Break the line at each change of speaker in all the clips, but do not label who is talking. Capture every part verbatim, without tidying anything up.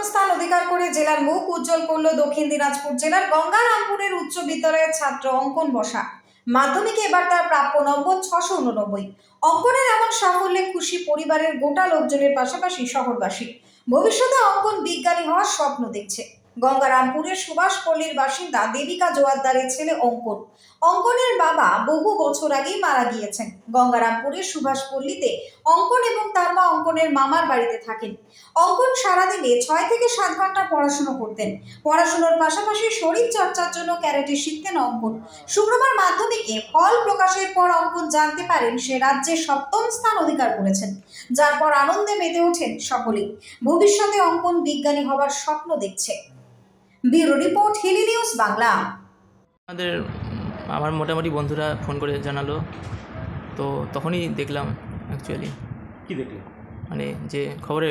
স্থান অধিকার করে জেলার মুখ উজ্জ্বল করল দক্ষিণ দিনাজপুর জেলার গঙ্গারামপুরের উচ্চ বিদ্যালয়ের ছাত্র অঙ্কন বসা। মাধ্যমিকে এবার তার প্রাপ্য নম্বর ছশো উননব্বই। অঙ্কনের এমন সাফল্যে খুশি পরিবারের গোটা লোকজনের পাশাপাশি শহরবাসী। ভবিষ্যতে অঙ্কন বিজ্ঞানী হওয়ার স্বপ্ন দেখছে। গঙ্গারামপুরের সুভাষপল্লীর বাসিন্দা দেবিকা জোয়ারদারের ছেলে অঙ্কন। অঙ্কনের বাবা বহু বছর আগেই মারা গিয়েছেন। গঙ্গারামপুরের সুভাষপল্লীতে অঙ্কন এবং তার মা অঙ্কনের মামার বাড়িতে থাকেন। অঙ্কন সারাদিনে ছয় থেকে সাত ঘন্টা পড়াশোনা করতেন। পড়াশোনার পাশাপাশি শরীর চর্চার জন্য ক্যারাটে শিখতেন অঙ্কন। শুক্রবার মাধ্যমিকে ফল প্রকাশের পর অঙ্কন জানতে পারেন সে রাজ্যে সপ্তম স্থান অধিকার করেছেন, যার পর আনন্দে মেতে ওঠেন সকলেই। ভবিষ্যতে অঙ্কন বিজ্ঞানী হবার স্বপ্ন দেখছে। Bureau report, Hili news Bangla.
আমাদের আমার মোটামুটি বন্ধুরা ফোন করে জানালো, তো তখনই দেখলাম অ্যাকচুয়ালি।
কি দেখলে?
মানে যে খবরে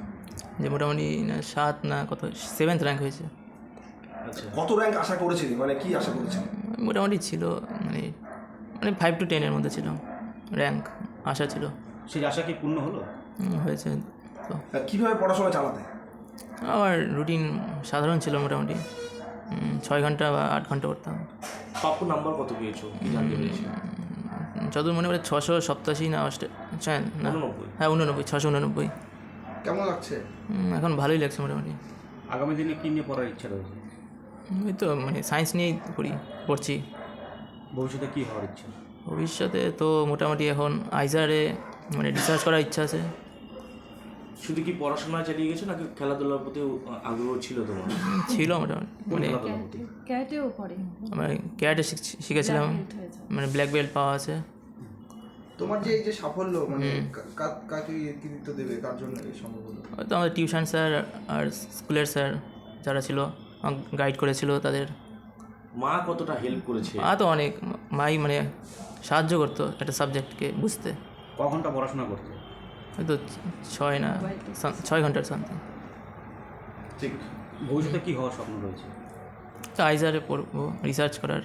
যে মোটামুটি না সাত না কত সেভেন্থ র্যাঙ্ক হয়েছে।
আচ্ছা,
কত র্যাঙ্ক আশা করেছিলি, মানে কি আশা করেছিলি?
মোটামুটি ছিল মানে মানে ফাইভ টু টেনের মধ্যে ছিল র্যাঙ্ক, আশা ছিল।
সেই আশা কি পূর্ণ হলো?
হুম, হয়েছে। তো
আর কিভাবে পড়াশোনা চালাতে?
আমার রুটিন সাধারণ ছিল, মোটামুটি উম, ছয় ঘন্টা বা আট ঘন্টা করতাম।
প্রাপ্য নাম্বার কত পেয়েছো কি জানতে পেরেছি?
যতদূর মনে পড়ে ছশো সপ্তাশি না অষ্টে ছয় না
উননব্বই।
হ্যাঁ উননব্বই, ছশো উননব্বই।
কেমন লাগছে?
উম, এখন ভালোই লাগছে মোটামুটি।
আগামী দিনে কী নিয়ে পড়ার ইচ্ছা রয়েছে?
ওই তো মানে সায়েন্স নিয়েই করি পড়ছি।
ভবিষ্যতে কী হওয়ার ইচ্ছা?
ভবিষ্যতে তো মোটামুটি এখন আইজারে মানে রিসার্চ করার ইচ্ছা আছে।
শুধু কি পড়াশোনা চালিয়ে গেছো নাকি খেলাধুলার প্রতিও আগ্রহ ছিল তোমার?
উম, ছিল মোটামুটি মানে
খেলাধুলার প্রতি
ক্যারাটেও পড়ে,
আমরা ক্যারাটে শিখেছিলাম, মানে ব্ল্যাক বেল্ট পাওয়া আছে।
তোমার যে এই যে সাফল্য, মানে কা- কা- কাকে কৃতিত্ব দেবে, কার জন্য এই সম্ভব হলো?
হয়তো আমাদের টিউশন স্যার আর স্কুলের স্যার যারা ছিল গাইড করেছিল তাদের।
মা কতটা হেল্প করেছে?
মা তো অনেক, মাই মানে সাহায্য করতো একটা সাবজেক্টকে বুঝতে।
ক ঘন্টা পড়াশোনা করতে?
হয়তো ছয় না সাম- ছয় ঘন্টার সামথিং।
ঠিক। ভবিষ্যতে কী হওয়ার স্বপ্ন রয়েছে?
তো আইজারে পড়বো, রিসার্চ করার।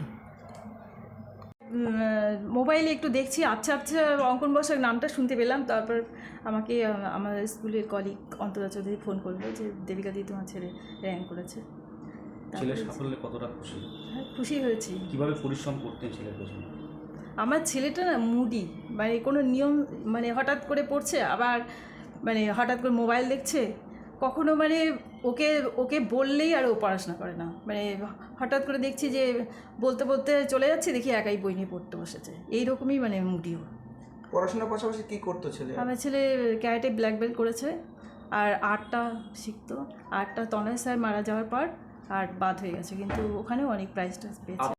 মোবাইলে একটু দেখছি, আচ্ছা আচ্ছা অঙ্কন বসাক নামটা শুনতে পেলাম। তারপর আমাকে আহ, আমাদের স্কুলের কলিগ অন্তরা চৌধুরী ফোন করলো যে দেবিকা দি তোমার ছেলে র্যাঙ্ক করেছে।
ছেলের
তারপরে-
সাফল্যে কতটা খুশি?
হ্যাঁ, খুশি হয়েছি।
কীভাবে পরিশ্রম করতেন ছেলের পেছনে?
আমার ছেলেটা না মুডি, মানে কোনো নিয়ম, মানে হঠাৎ করে পড়ছে, আবার মানে হঠাৎ করে মোবাইল দেখছে, কখনো মানে ওকে ওকে বললেই আর ও পড়াশোনা করে না। মানে হঠাৎ করে দেখছি যে বলতে বলতে চলে যাচ্ছে, দেখি একাই বই নিয়ে পড়তে বসেছে। এইরকমই মানে মুডিও।
পড়াশোনার পাশাপাশি কি করতো ছেলে?
আমার ছেলে ক্যারাটে ব্ল্যাক বেল্ট করেছে, আর আর্টটা শিখতো। আর্টটা তনয় স্যার মারা যাওয়ার পর আর্ট বাদ হয়ে গেছে, কিন্তু ওখানেও অনেক প্রাইজ টাইজ পেয়েছে।